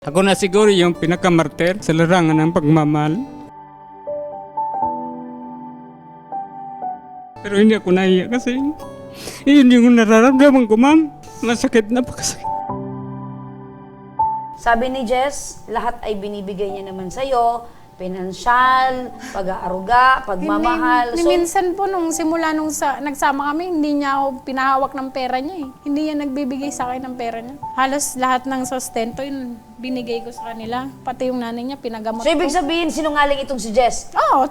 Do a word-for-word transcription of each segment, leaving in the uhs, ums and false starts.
Ako na siguro yung pinakamartir sa larangan ng pagmamahal. Pero hindi ako nahiya kasi yun yung nararamdaman ko, ma'am. Masakit na pakasakit. Sabi ni Jess, lahat ay binibigay niya naman sa'yo. Pinansyal, pag-aaruga, pagmamahal. Hindi, minsan po nung simula nung sa, nagsama kami, hindi niya ako pinahawak ng pera niya eh. Hindi niya nagbibigay sa akin ng pera niya. Halos lahat ng sustento yun, binigay ko sa kanila. Pati yung nanay niya, pinagamot So, ibig ko. sabihin, sinungaling itong si Jess. Oo.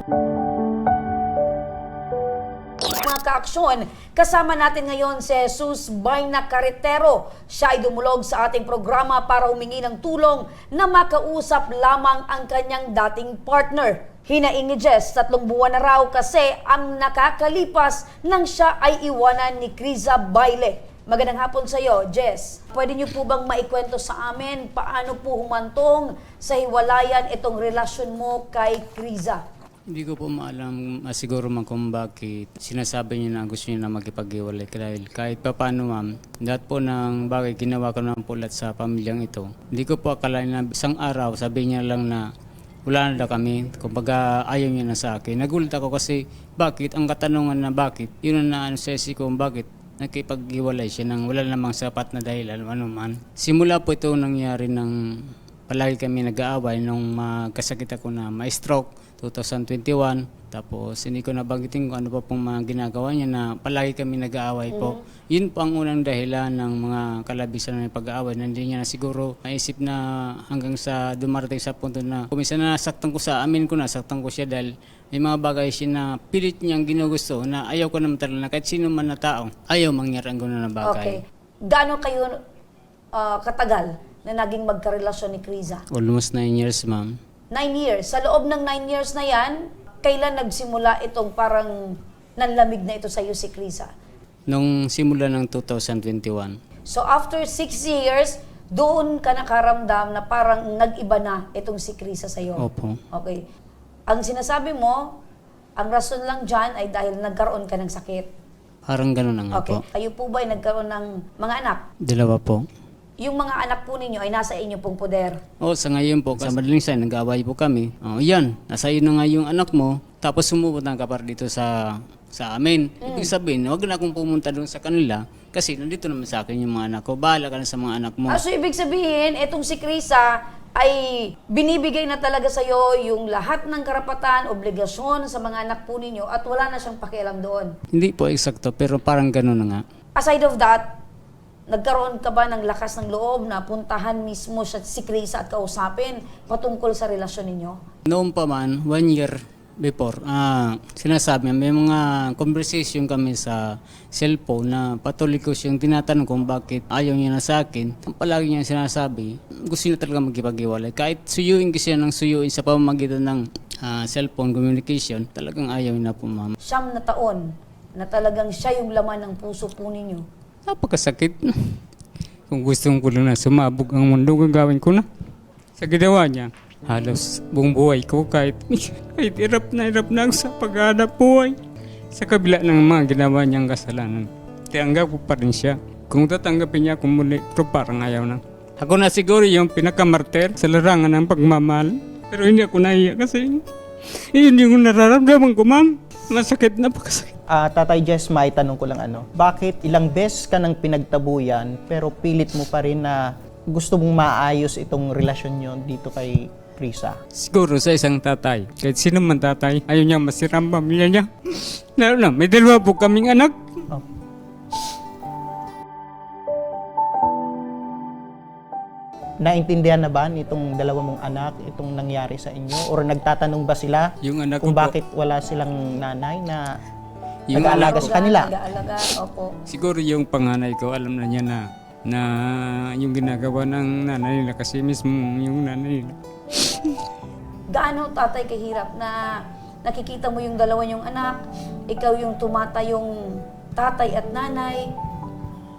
Mga kaaksyon, kasama natin ngayon si Jesus Baina Carretero. Siya ay dumulog sa ating programa para humingi ng tulong na makausap lamang ang kanyang dating partner. Hinaing ni Jess, tatlong buwan na raw kasi ang nakakalipas nang siya ay iwanan ni Criza Baile. Magandang hapon sa iyo, Jess. Pwede niyo po bang maikwento sa amin paano po humantong sa hiwalayan itong relasyon mo kay Criza? Hindi ko po maalam uh, siguro man kung bakit sinasabi niya na gusto niya na magkipag-iwalay. Dahil kahit pa paano, ma'am, lahat po ng bagay ginawa ko ng pulat sa pamilyang ito. Hindi ko po akalain na isang araw sabi niya lang na wala na daw kami. Kumbaga ayaw niya na sa akin. Nagulat ako kasi bakit? Ang katanungan na bakit? Yun na ano sa ko bakit nakipag-iwalay siya nang wala namang sapat na dahilan ano man. Simula po ito nangyari ng palagi kami nag-aaway nung magkasakit ako na ma-stroke twenty twenty-one. Tapos hindi ko nabanggitin kung ano pa pong mga ginagawa niya na palagi kami nag-aaway po. Mm-hmm. Yun po ang unang dahilan ng mga kalabisan ng pag-aaway na hindi niya na siguro maisip na hanggang sa dumarating sa punto na kung minsan nasaktan ko sa amin ko nasaktan ko siya dahil may mga bagay siya na pilit niyang ginugusto na ayaw ko naman talaga na kahit sino man na tao ayaw mangyari ang gano'n na bagay. Okay. Gaano kayo uh, katagal na naging magkarelasyon ni Criza? Almost nine years, ma'am. Nine years. Sa loob ng nine years na yan, kailan nagsimula itong parang nanlamig na ito sa iyo si Criza? Nung simula ng twenty twenty-one. So after six years, doon ka nakaramdam na parang nag-iba na itong si Criza sa iyo? Opo. Okay. Ang sinasabi mo, ang rason lang dyan ay dahil nagkaroon ka ng sakit. Parang gano'n na nga Okay. po. Kayo po ba ay nagkaroon ng mga anak? Dalawa po. Yung mga anak po ninyo ay nasa inyo pong poder. O, sa ngayon po, sa madaling sign, nag-aaway po kami. O, yan, nasa iyo na nga yung anak mo, tapos sumupunta ka pa dito sa sa amin. Ibig sabihin, huwag na akong pumunta doon sa kanila kasi nandito naman sa akin yung mga anak ko. Bahala ka na sa mga anak mo. Ah, so ibig sabihin, etong si Criza ay binibigay na talaga sa'yo yung lahat ng karapatan, obligasyon sa mga anak po ninyo at wala na siyang pakialam doon. Hindi po eksakto, pero parang gano'n na nga. Aside of that, nagkaroon ka ba ng lakas ng loob na puntahan mismo siya, si Criza at kausapin patungkol sa relasyon ninyo? Noon pa man, one year before, ah, sinasabi niya, may mga conversation kami sa cellphone na patuloy ko siyang tinatanong kung bakit ayaw niya na sa akin. Palagi niya sinasabi, gusto niya talaga magkipag-iwalay. Kahit suyuin ko siya ng suyuin sa pamamagitan ng ah, cellphone communication, talagang ayaw niya po, ma'am. Siyam na taon na talagang siya yung laman ng puso po ninyo. Napakasakit. Kung gusto ko lang na sumabog ang mundo, gagawin ko na. Sa ginawa niya, halos buong buhay ko kahit, kahit hirap na hirap na ako sa paghahanap buhay. Sa kabila ng mga ginawa niyang kasalanan, tianggap ko pa rin siya. Kung tatanggapin niya ako muli, pero parang ayaw na. Ako na siguro yung pinakamartir sa larangan ng pagmamahal. Pero hindi ako nahiya kasi yun yung nararamdaman ko, ma'am. Masakit na pakasakit. Ah, Tatay Jess, may tanong ko lang ano. Bakit ilang beses ka nang pinagtabuyan pero pilit mo pa rin na gusto mong maayos itong relasyon nyo dito kay Criza? Siguro sa isang tatay, kahit sino man tatay, ayaw niya masira ang pamilya niya. Lalo na, may dalawa po kaming anak. Oh. Naintindihan na ba nitong dalawa mong anak itong nangyari sa inyo? Or nagtatanong ba sila Yung anak kung ko po, bakit wala silang nanay na Yung nag-aalaga anak sa kanila? Nag-aalaga, opo. siguro yung panganay ko, alam na niya na na yung ginagawa ng nanay nila kasi mismo yung nanay nila. Gaano tatay kahirap na nakikita mo yung dalawa yung anak, ikaw yung tumata yung tatay at nanay,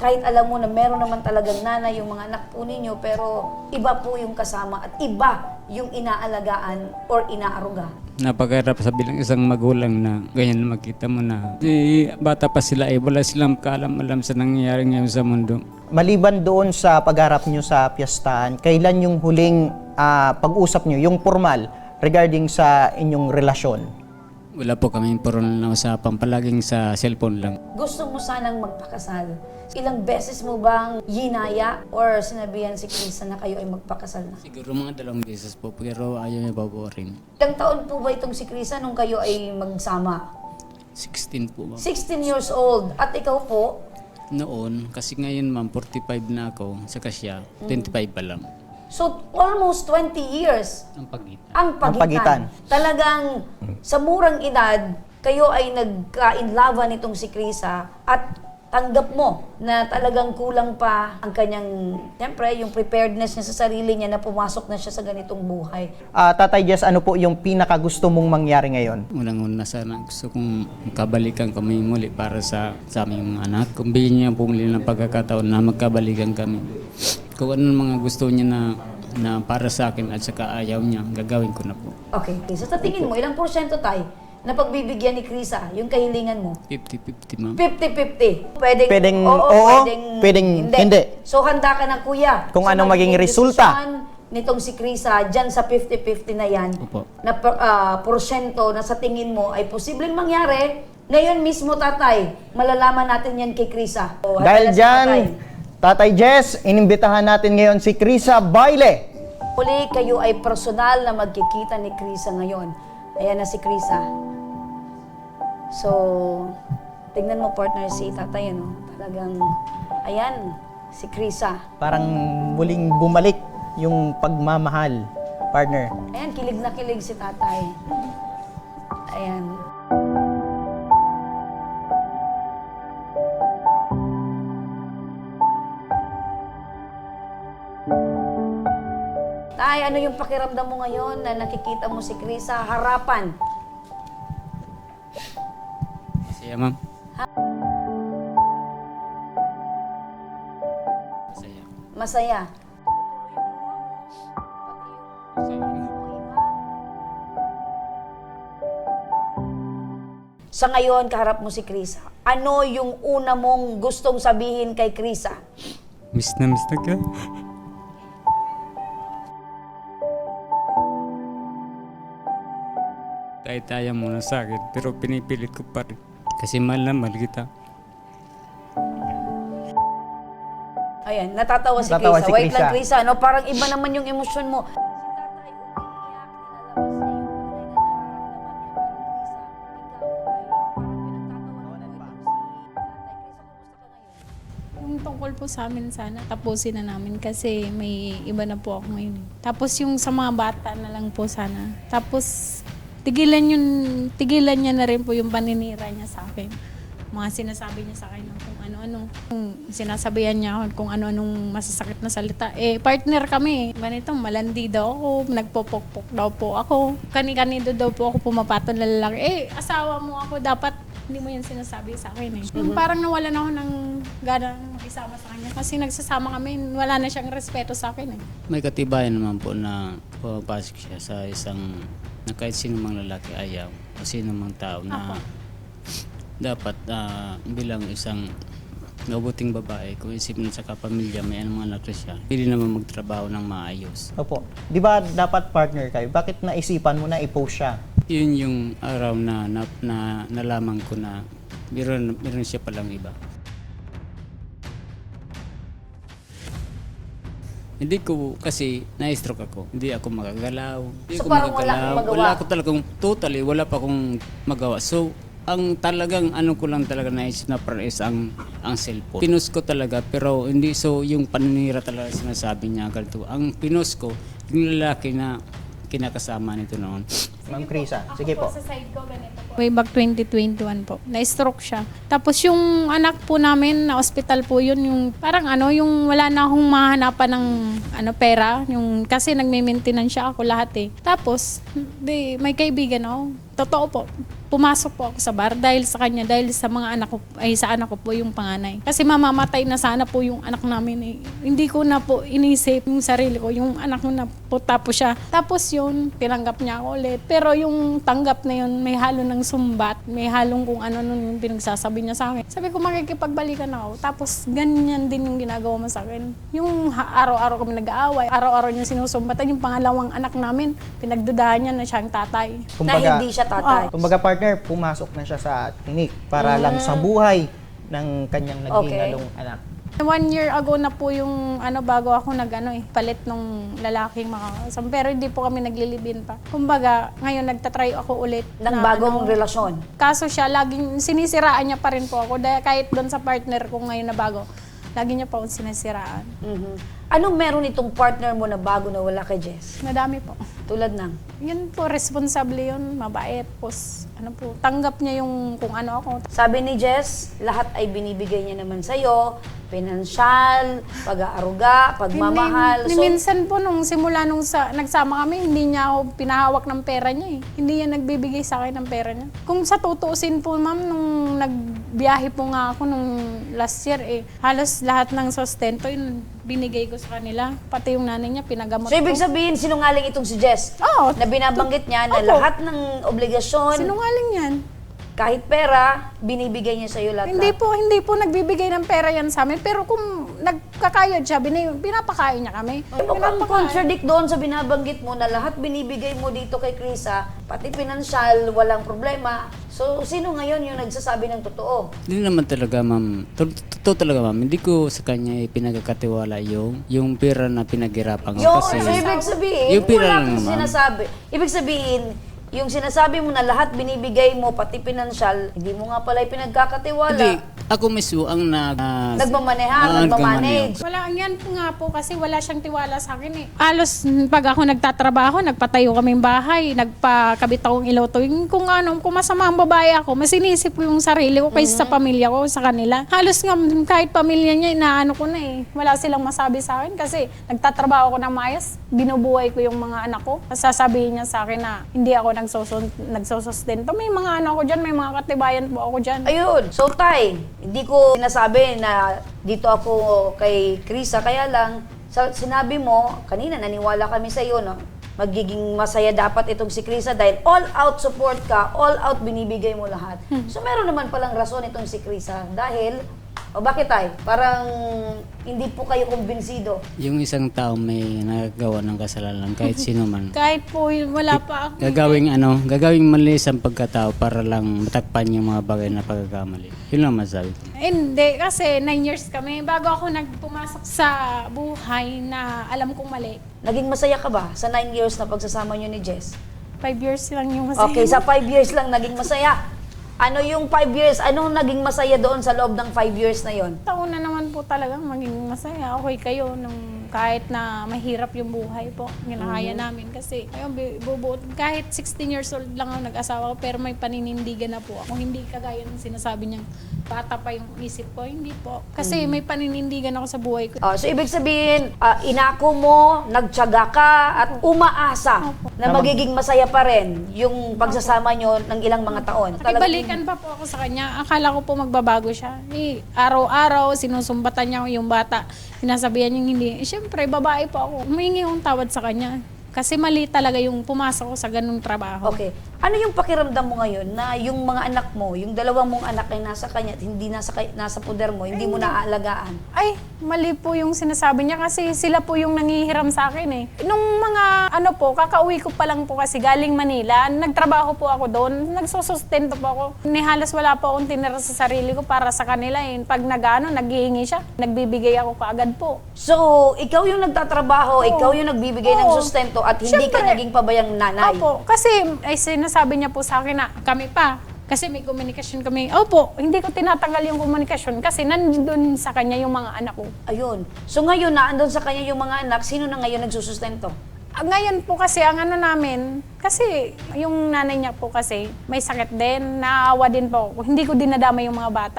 kahit alam mo na meron naman talagang nanay yung mga anak po ninyo, pero iba po yung kasama at iba yung inaalagaan or inaaruga. Napakahirap sa bilang isang magulang na ganyan na makita mo na di, bata pa sila eh, wala silang kaalam-alam sa nangyayari ngayon sa mundo. Maliban doon sa pagharap nyo sa piyastahan, kailan yung huling ah, pag-usap nyo, yung formal, regarding sa inyong relasyon? Wala po kami puro na usapan, palaging sa cellphone lang. Gusto mo sanang magpakasal. Ilang beses mo bang yinaya or sinabihan si Krisa na kayo ay magpakasal na? Siguro mga dalawang beses po, pero ayaw niya pa po rin. Ilang taon po ba itong si Krisa nung kayo ay magsama? sixteen po ba? sixteen years old. At ikaw po, Noon, kasi ngayon ma'am, forty-five na ako, saka siya, twenty-five pa lang. so almost twenty years Ang pagitan. ang pagitan. Ang pagitan. Talagang sa murang edad, kayo ay nagka-inlava nitong si Krisa at tanggap mo na talagang kulang pa ang kanyang, siyempre, yung preparedness niya sa sarili niya na pumasok na siya sa ganitong buhay. Ah, Tatay Jess, ano po yung pinaka gusto mong mangyari ngayon? Unang-una sana gusto kong magkabalikan kami muli para sa, sa aming mga anak. Kung bigyan niya po muli ng pagkakataon na magkabalikan kami. Kung ano mga gusto niya na, na para sa akin at saka ayaw niya, gagawin ko na po. Okay, so sa tingin mo, ilang porsyento tayo na pagbibigyan ni Krisa, yung kahilingan mo? fifty-fifty ma'am. fifty-fifty. Pwedeng, Pwedeng oo, oo, pwedeng, pwedeng hindi. So handa ka na kuya. Kung So, anong maging resulta. desisyon nitong si Krisa, dyan sa fifty-fifty na yan, Opo. na uh, porsyento na sa tingin mo ay posibleng mangyari, ngayon mismo tatay, malalaman natin yan kay Krisa. So, handa na Dahil si dyan, tatay. Tatay Jess, inimbitahan natin ngayon si Krisa Baile. Uli, kayo ay personal na magkikita ni Krisa ngayon. Ayan na si Krisa. So, tingnan mo partner si tatay, ano? Talagang, ayan, si Krisa. Parang muling bumalik yung pagmamahal, partner. Ayan, kilig na kilig si tatay. Ayan. Tay, ano yung pakiramdam mo ngayon na nakikita mo si Krisa harapan? Masaya ma'am. Masaya. Masaya. Sa ngayon, kaharap mo si Krisa. Ano yung una mong gustong sabihin kay Krisa? Miss na miss na ka. Kahit ayaw mo na sa akin, pero pinipilit ko pa rin. Kasi mahal na mahal kita. Ayan, natatawa si Natatawa Krisa. si Wait Krisa. lang, Krisa. No? Parang iba naman yung emosyon mo. Si tatay umiiyak, nilalabas niya yung tunay na nararamdaman niya. Pero Krisa, ikaw ay parang pinagtatawa mo ito si tatay. Krisa, kumusta ka ngayon? Yung tungkol po sa amin sana, tapusin na namin kasi may iba na po ako ngayon. Tapos yung sa mga bata na lang po sana. Tapos tigilan yun, tigilan niya na rin po yung paninira niya sa akin. Mga sinasabi niya sa akin ng kung ano-ano. Kung sinasabihan niya ako kung ano-anong masasakit na salita. Eh, partner kami. Ganito, malandi daw ako, nagpopokpok daw po ako. Kani-kanido daw po ako pumapaton na lalaki. Eh, asawa mo ako, dapat hindi mo yan sinasabi sa akin eh. Yung parang nawalan ako ng gana makisama sa kanya. Kasi nagsasama kami, wala na siyang respeto sa akin eh. May katibayan naman po na pumapasok siya sa isang na kahit sino mang lalaki ayaw o sino mang tao na dapat ah, bilang isang mabuting babae, kung isipin sa kapamilya, may anong anak na siya, pili naman magtrabaho ng maayos. Opo. Di ba dapat partner kayo? Bakit naisipan mo na i-post siya? Yun yung araw na, na, na nalaman ko na meron, meron siya palang iba. Hindi ko, kasi na-stroke ako. Hindi ako magagalaw. Hindi So, ako parang wala kang magawa? Wala ako talagang, totally, wala pa akong magawa. So, ang talagang ano ko lang talaga naisip na para is ang, ang cellphone. Pinost ko talaga, pero hindi so yung paninira talaga sinasabi niya. Ganito. Ang pinost ko, yung lalaki na kinakasama nito noon. Ma'am Krisa, sige po. Sa side ko, ganito po. Way back twenty twenty-one po, na-stroke siya. Tapos yung anak po namin, na hospital po yun, yung parang ano, yung wala na akong mahanapan ng ano, pera. Yung, kasi nagme-maintenance siya ako lahat eh. Tapos, di, may kaibigan ako. Totoo po. pumasok po ako sa bar dahil sa kanya, dahil sa mga anak ko, ay sa anak ko po yung panganay. Kasi mamamatay na sana po yung anak namin eh. Hindi ko na po inisip yung sarili ko, yung anak ko na po tapos siya. Tapos yun, tinanggap niya ako ulit. Pero yung tanggap na yun, may halo ng sumbat, may halong kung ano nun yung pinagsasabi niya sa akin. Sabi ko, makikipagbalikan ako. Tapos ganyan din yung ginagawa mo sa akin. Yung ha- araw-araw kami nag-aaway, araw-araw niya sinusumbatan, yung pangalawang anak namin, pinagdudahan niya na siya ang tatay. na hindi siya tatay. Kumbaga partner, pumasok na siya sa clinic para lang sa buhay ng kanyang naghingalong anak. One year ago na po yung ano bago ako nag ano eh, palit nung lalaking makakasama. Pero hindi po kami naglilibin pa. Kumbaga, ngayon nagtatry ako ulit. Ng na, bagong ano, relasyon. Kaso siya, laging sinisiraan niya pa rin po ako. Dahil kahit doon sa partner ko ngayon na bago, lagi niya pa akong sinisiraan. Mhm. Anong meron itong partner mo na bago na wala kay Jess? Madami po. Tulad ng? Yun po, responsable yun, mabait. Pos, ano po, tanggap niya yung kung ano ako. Sabi ni Jess, lahat ay binibigay niya naman sa'yo. Pinansyal, pag-aaruga, pagmamahal. Ni, ni minsan po nung simula nung sa, nagsama kami, hindi niya ako pinahawak ng pera niya eh. Hindi niya nagbibigay sa akin ng pera niya. Kung sa tutuusin po ma'am, nung nagbiyahe po nga ako nung last year eh, halos lahat ng sustento yun binigay ko sa kanila. Pati yung nanay niya, pinagamot So, ibig ko. sabihin, sinungaling itong si Jess? Oo. Na binabanggit niya na Opo. lahat ng obligasyon, Sinungaling yan. kahit pera, binibigay niya sa'yo lahat. Hindi po, hindi po nagbibigay ng pera yan sa amin. Pero kung nagkakayod siya, bin- pinapakain niya kami. Ay, mukhang contradict doon sa binabanggit mo na lahat binibigay mo dito kay Krisa, pati pinansyal, walang problema. So, sino ngayon yung nagsasabi ng totoo? Hindi naman talaga, ma'am. To- Totoo talaga, ma'am. Hindi ko sa kanya pinagkakatiwala yung, yung pera na pinaghirapan ko. Yung, Kasi, so, ibig sabihin, yung pera wala lang, kang ma'am. sinasabi. Ibig sabihin, yung sinasabi mo na lahat binibigay mo, pati pinansyal, hindi mo nga pala pinagkakatiwala. Hindi, ako mismo ang nag... ah, Nagmamaneha, ah, nagmamanage. Wala, yan po nga po kasi wala siyang tiwala sa akin eh. Alos pag ako nagtatrabaho, nagpatayo kaming bahay, nagpakabit akong ilaw tuwing kung ano, kung masama ang babae ako, mas inisip ko yung sarili ko kaysa sa pamilya ko, sa kanila. Halos nga kahit pamilya niya, inaano ko na eh. Wala silang masabi sa akin kasi nagtatrabaho ako ng maayos, binubuhay ko yung mga anak ko. Sasabihin niya sa akin na hindi ako nagsusun, nagsusustento. May mga ano ko dyan, may mga katibayan po ako dyan. Ayun. So, Tay, hindi ko sinasabi na dito ako kay Krisa, kaya lang, sa, sinabi mo, kanina naniwala kami sa iyo, no? Magiging masaya dapat itong si Krisa dahil all out support ka, all out binibigay mo lahat. So, meron naman palang rason itong si Krisa dahil, o bakit Tay? Parang hindi po kayo kumbinsido. Yung isang tao may nagagawa ng kasalanan, kahit sino man. Kahit po yun, wala pa ako. Gagawing ano, gagawing mali ang pagkatao para lang matakpan yung mga bagay na pagkakamali. Yun lang masabi ko. Hindi, kasi nine years kami. Bago ako nagpumasok sa buhay na alam kong mali. Naging masaya ka ba sa nine years na pagsasama niyo ni Jess? Five years lang yung masaya. Okay, sa five years lang naging masaya. Ano yung five years? Anong naging masaya doon sa loob ng five years na yon? Taon na naman po talagang maging masaya. Okay kayo nung kahit na mahirap yung buhay po. Ginakaya namin kasi ayun, bu- bubuot. Kahit sixteen years old lang ako nag-asawa ko pero may paninindigan na po ako. Hindi kagaya ng sinasabi niyang bata pa yung isip ko. Hindi po. Kasi may paninindigan ako sa buhay ko. Oh, so ibig sabihin, ah, inako mo, nagtiyaga ka, at umaasa na magiging masaya pa rin yung pagsasama nyo ng ilang mga taon. Talagang- Nakibalikan pa po ako sa kanya. Akala ko po magbabago siya. Eh, araw-araw, sinusumbatan niya yung bata. Sinasabihan niya hindi. Eh, Siyempre, babae po ako. Humingi akong tawad sa kanya. Kasi mali talaga yung pumasok ko sa ganung trabaho. Okay. Ano yung pakiramdam mo ngayon na yung mga anak mo, yung dalawang mong anak ay nasa kanya at hindi nasa, kay- nasa poder mo, hindi mo naaalagaan? Ay, mali po yung sinasabi niya kasi sila po yung nangihiram sa akin eh. Nung mga ano po, kakauwi ko pa lang po kasi galing Manila, nagtrabaho po ako doon, nagsusustento po ako. Ni halos wala po akong tinira sa sarili ko para sa kanila eh. Pag nag-ano, naghihingi siya, nagbibigay ako kaagad po. So, ikaw yung nagtatrabaho, ikaw yung nagbibigay ng Oo. sustento at hindi ka Siyempre. naging pabayang nanay. Opo, kasi ay sinasabi niya po sa akin na kami pa. Kasi may komunikasyon kami. Opo, hindi ko tinatanggal yung komunikasyon kasi nandun sa kanya yung mga anak ko. Ayun. So ngayon, naandun sa kanya yung mga anak, sino na ngayon nagsusustento? Ah, Ngayon po kasi ang ano namin, kasi yung nanay niya po kasi may sakit din, naawa din po ako. Hindi ko dinadama yung mga bata.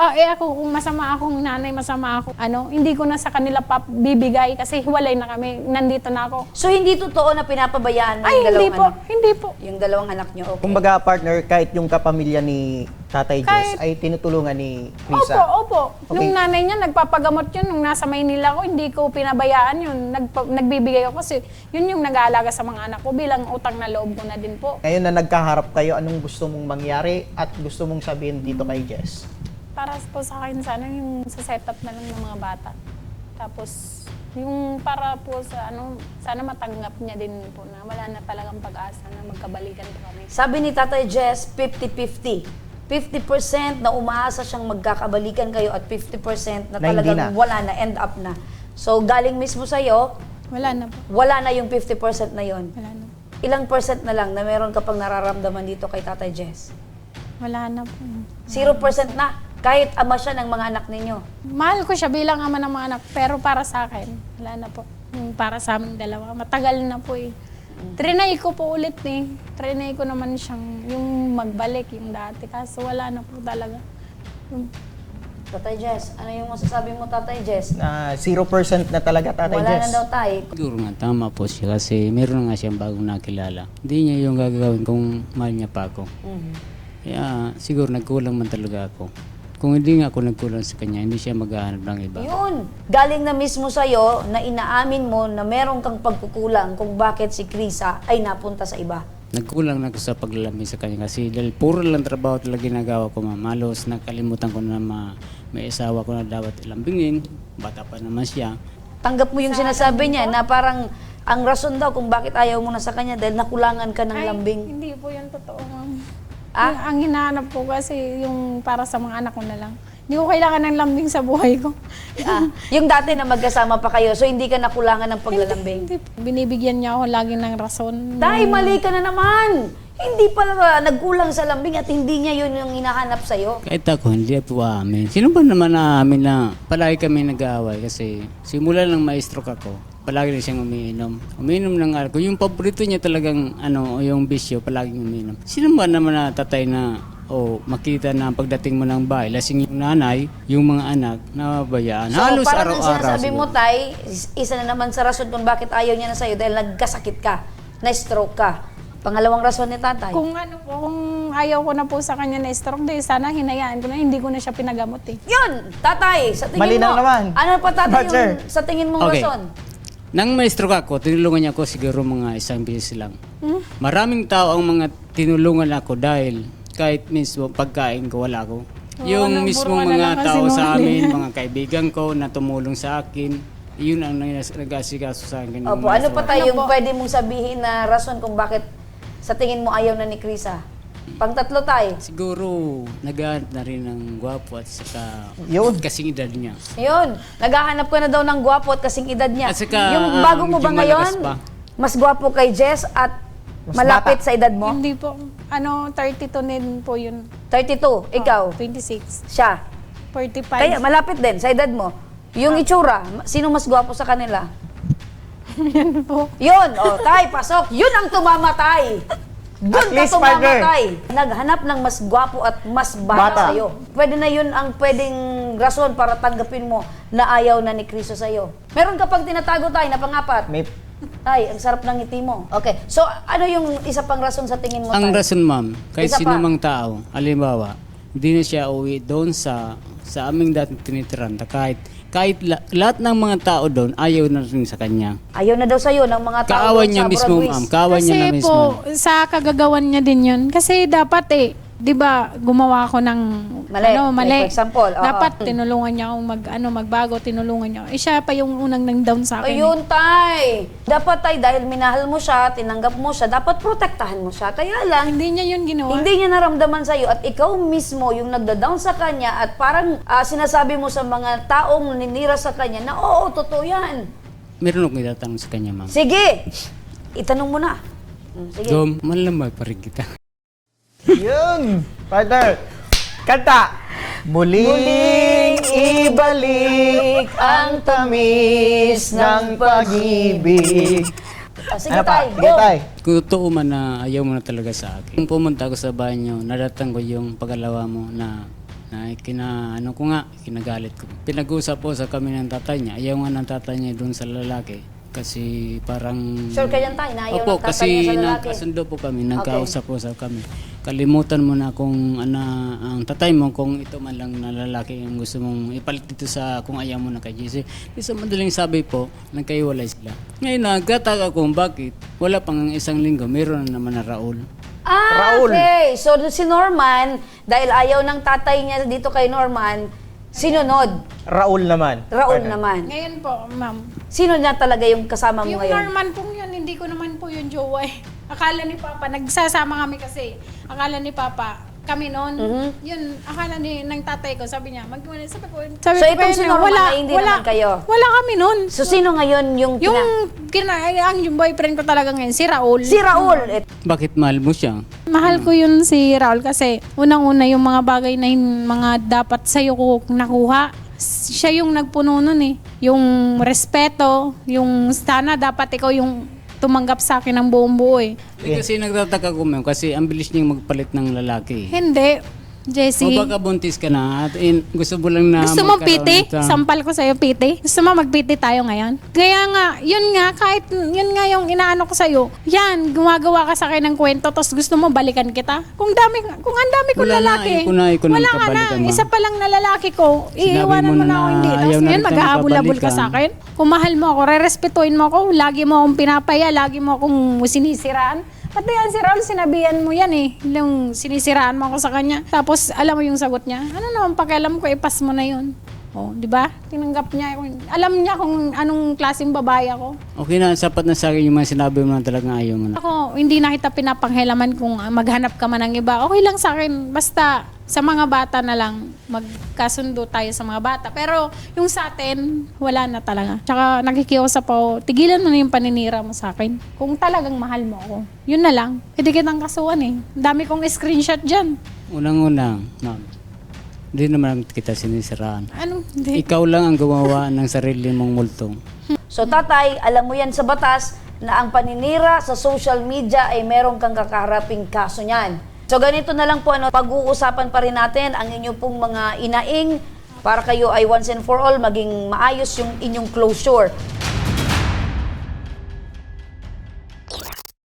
Ah, eh ako, kung masama akong nanay, masama ako, ano, hindi ko na sa kanila pa bibigay kasi hiwalay na kami, nandito na ako. So, hindi totoo na pinapabayaan mo Ay, yung hindi dalawang po, anak? hindi po. Yung dalawang anak niyo, okay. Kumbaga, partner, kahit yung kapamilya ni Tatay Jess Kahit- ay tinutulungan ni Opo, Risa. opo. Okay. Nung nanay niya, nagpapagamot yun. Nung nasa Maynila ko, hindi ko pinabayaan yun. Nagpa- nagbibigay ako kasi yun yung nag-aalaga sa mga anak ko bilang utang na loob ko na din po. Ngayon na nagkaharap kayo, anong gusto mong mangyari at gusto mong sabihin dito kay Jess? Para po sa akin, sana yung sa setup na lang ng mga bata. Tapos, yung para po sa ano, sana matanggap niya din po na wala na talagang pag-asa na magkabalikan po kami. Sabi ni Tatay Jess, fifty fifty. fifty percent na umaasa siyang magkakabalikan kayo at fifty percent na Na hindi talagang na. wala na, end up na. So, galing mismo sa'yo, Wala na po. wala na yung fifty percent na yon. Wala na. Ilang percent na lang na meron ka pang nararamdaman dito kay Tatay Jess? Wala na po. Zero percent na. Kahit ama siya ng mga anak ninyo. Mahal ko siya bilang ama ng mga anak, pero para sa akin, wala na po. Yung para sa aming dalawa, matagal na po eh. Trinay ko po ulit eh. Trinay ko naman siyang, yung magbalik, yung dati. Kaso wala na po talaga. Yung, Tatay Jess, ano yung masasabi mo, Tatay Jess? Na zero percent na talaga, Tatay Wala Jess. na daw tayo. Siguro nga, tama po siya kasi meron nga siyang bagong nakilala. Hindi niya yung gagawin kung mahal niya pa ako. Mhm. Kaya siguro nagkulang man talaga ako. Kung hindi nga ako nagkulang sa kanya, hindi siya maghahanap ng iba. Yun. Galing na mismo sa'yo na inaamin mo na meron kang pagkukulang kung bakit si Krisa ay napunta sa iba. Nagkulang na ako sa paglalambing sa kanya kasi dahil puro lang trabaho talaga ginagawa ko, ma'am. Halos nakalimutan ko na ma, may asawa ko na dapat ilambingin. Bata pa naman siya. Tanggap mo yung sinasabi niya na parang ang rason daw kung bakit ayaw mo na sa kanya dahil nakulangan ka ng ay, lambing. hindi po yun totoo, ma'am. Ah? Yung- ang hinahanap ko kasi yung para sa mga anak ko na lang. Hindi ko kailangan ng lambing sa buhay ko. Ah, yung dati na magkasama pa kayo, so hindi ka nakulangan ng paglalambing. Hindi po. Binibigyan niya ako lagi ng rason. Dahil mali ka na naman. Hindi pala nagkulang sa lambing at hindi niya yun yung hinahanap sa'yo. Kahit ako, hindi po amin. Sino ba naman aamin na palagi kami nag-aaway kasi simula lang ma-stroke ako, palagi rin siyang umiinom. Umiinom ng alcohol. Yung paborito niya talagang, ano, yung bisyo, palaging umiinom. Sino ba naman na tatay na, o makita na pagdating mo ng bahay, lasing yung nanay, yung mga anak, nababayaan. So Halos parang ang araw-araw. sinasabi mo, siguro. Tay, is- isa na naman sa rason kung bakit ayaw niya na sa'yo dahil nagkasakit ka, na-stroke ka. Pangalawang rason ni Tatay. Kung ano po, kung ayaw ko na po sa kanya na stroke, di sana hinayaan ko na, hindi ko na siya pinagamot eh. Yun, Tatay, sa tingin Malinaw mo, naman. ano pa Tatay But, sir. yung sa tingin mong Okay. rason? Nang may stroke ako, tinulungan niya ako siguro mga isang beses lang. Hmm? Maraming tao ang mga tinulungan ako dahil kahit mismo pagkain ko wala ko. Yung nang mismo puro ka na mga lang tao sa kasinungaling. amin, mga kaibigan ko na tumulong sa akin, yun ang nangyas- nag-asikaso sa akin. Opo, Nung ano may pa stroke. tayo Ano yung po? pwede mong sabihin na rason kung bakit sa tingin mo ayaw na ni Krisa? Pangtatlo tayo. Siguro, naghahanap na rin ng gwapo at saka Yun. kasing edad niya. Yun, naghahanap ka na daw ng gwapo at kasing edad niya. At saka, yung ah, bago mo ba medyo ngayon, malakas pa. mas gwapo kay Jess at Mas malapit bata. sa edad mo? Hindi po, ano, thirty-two din po yun. thirty-two, ikaw, twenty-six, siya. forty-five. Kaya malapit din sa edad mo. Yung itsura, sino mas gwapo sa kanila? Yan po. Yun, oh, tay, pasok. Yun ang tumamatay. Doon At ka least, partner. tumamatay. Naghanap ng mas gwapo at mas bata, Bata. sa'yo. Pwede na yun ang pwedeng rason para tanggapin mo na ayaw na ni Kristo sa'yo. Meron ka pang tinatago tayo na pangapat. May Tay, ang sarap ng ngiti mo. Okay, so ano yung isa pang rason sa tingin mo, Ang tay? rason, ma'am, kahit Isa sino pa. mang tao, halimbawa, hindi na siya uwi doon sa sa aming dating tinitiranta. Kahit, kahit la- lahat ng mga tao doon, ayaw na rin sa kanya. Ayaw na daw sa'yo ng mga tao Kaawan doon niya sa mismo, Broadways. ma'am. Kaawan niya na Kasi mismo. po, sa kagagawan niya din yun. Kasi dapat eh, di ba, gumawa ako ng Mali. ano, mali. Like, for example, oo. Dapat tinulungan niya akong mag, ano, magbago, tinulungan niya. ako. Eh, siya pa yung unang nang down sa akin. eh. Ayun, tay. Dapat, tay, dahil minahal mo siya, tinanggap mo siya, dapat protektahan mo siya. Kaya lang, Hindi niya yun ginawa. hindi niya naramdaman sa'yo at ikaw mismo yung nagda-down sa kanya at parang ah, sinasabi mo sa mga taong ninira sa kanya na oo, totoo yan. Meron akong itatanong sa kanya, ma'am. Sige, itanong mo na. Mm, Sige. Dom, malamay pa rin kita. Yun! Partner! Kanta! Muling ibalik ang tamis ng pag-ibig. Ah, sige, Ano pa? tay, Sige, go. tay. Kung totoo man na ayaw mo na talaga sa akin. Kung pumunta ako sa bahay niyo, nadatang ko yung pagalawa mo na Na kina, ano ko nga, kinagalit ko. Pinag-usap po sa kami ng tatay niya. Ayaw nga ng tatay niya doon sa lalaki. Kasi parang... Sure ka yan tayo, na ayaw Opo, ng tatay kasi niya sa lalaki. nagkasundo po kami, nagkausap po sa kami. Kalimutan mo na kung ano, ang tatay mo, kung ito man lang na lalaki yung gusto mong ipalit dito sa kung ayaw mo na kay J C. Isa madaling sabi po, nagkaiwalay sila. Ngayon, nagkataka kung bakit wala pang isang linggo, meron na naman na Raul. Ah, Raul. okay. So si Norman, dahil ayaw ng tatay niya dito kay Norman, sinunod. Raul naman. Raul Partner. naman. Ngayon po, ma'am. Sino na talaga yung kasama mo Yung ngayon? Norman pong yun, hindi ko naman po yung jowa eh. Akala ni Papa, nagsasama kami kasi. Akala ni Papa, kami noon, Mhm. yun, akala ni ng tatay ko, sabi niya, mag sabi ko, sabi So, ko itong kayo si na, Norman wala, na hindi wala, naman kayo? Wala kami noon. So sino ngayon yung, Yung, kina- kina, ang yung boyfriend ko talaga ngayon, si Raul. si Raul? Et- Bakit mahal mo siya? Mahal ko yun si Raul kasi unang-una yung mga bagay na yung mga dapat sa'yo ko nakuha. Siya yung nagpuno nun eh. Yung respeto, yung sana dapat ikaw yung tumanggap sa akin ng buong buo eh. Hindi kasi nagtataka ko ma'am, kasi ang bilis niyang magpalit ng lalaki. Hindi, Jessie. O baka buntis ka na at in, gusto mo lang na Gusto mo magkaroon piti? ng- Sampal ko sa'yo piti? Gusto mo magpiti tayo ngayon? Kaya nga, yun nga, kahit yun nga yung inaano ko sa'yo, yan, gumagawa ka sa akin ng kwento, tapos gusto mo balikan kita? Kung dami, kung ang dami kong Wala na, lalaki, ayoko na, ayoko na wala ka na, magkabalikan, ma'am. isa pa lang na lalaki ko, Sinabi iiwanan mo mo na na ako hindi. ayaw Tapos na ngayon, rin tayo maghahabol-habol ka magkabalikan. sa akin. Kung mahal mo ako, rerespetuhin mo ako, lagi mo akong pinapaya, lagi mo akong sinisiraan. Pati yan si Raul, sinabihan mo yan eh. Yung sinisiraan mo ako sa kanya. Tapos alam mo yung sagot niya. Ano naman pakialam ko, ipas mo na yun. Oh, di ba? Tinanggap niya. Alam niya kung anong klaseng babae ako. Okay na, sapat na sa akin yung mga sinabi mo na talagang ayaw mo na. Ako, hindi na kita pinapanghelaman kung ah, maghanap ka man ng iba. Okay lang sa akin. Basta sa mga bata na lang, magkasundo tayo sa mga bata. Pero yung sa atin, wala na talaga. Tsaka nakikiusap ako, tigilan mo na yung paninira mo sa akin. Kung talagang mahal mo ako, yun na lang. Pwede kitang kasuhan eh. Ang dami kong screenshot dyan. Unang-unang, ma'am, hindi naman kita sinisiraan. Ano? Hindi. Ikaw lang ang gumawa ng sarili mong multong. So tatay, alam mo yan sa batas na ang paninira sa social media ay meron kang kakaharaping kaso niyan. So ganito na lang po, ano, pag-uusapan pa rin natin ang inyo pong mga inaing para kayo ay once and for all maging maayos yung inyong closure.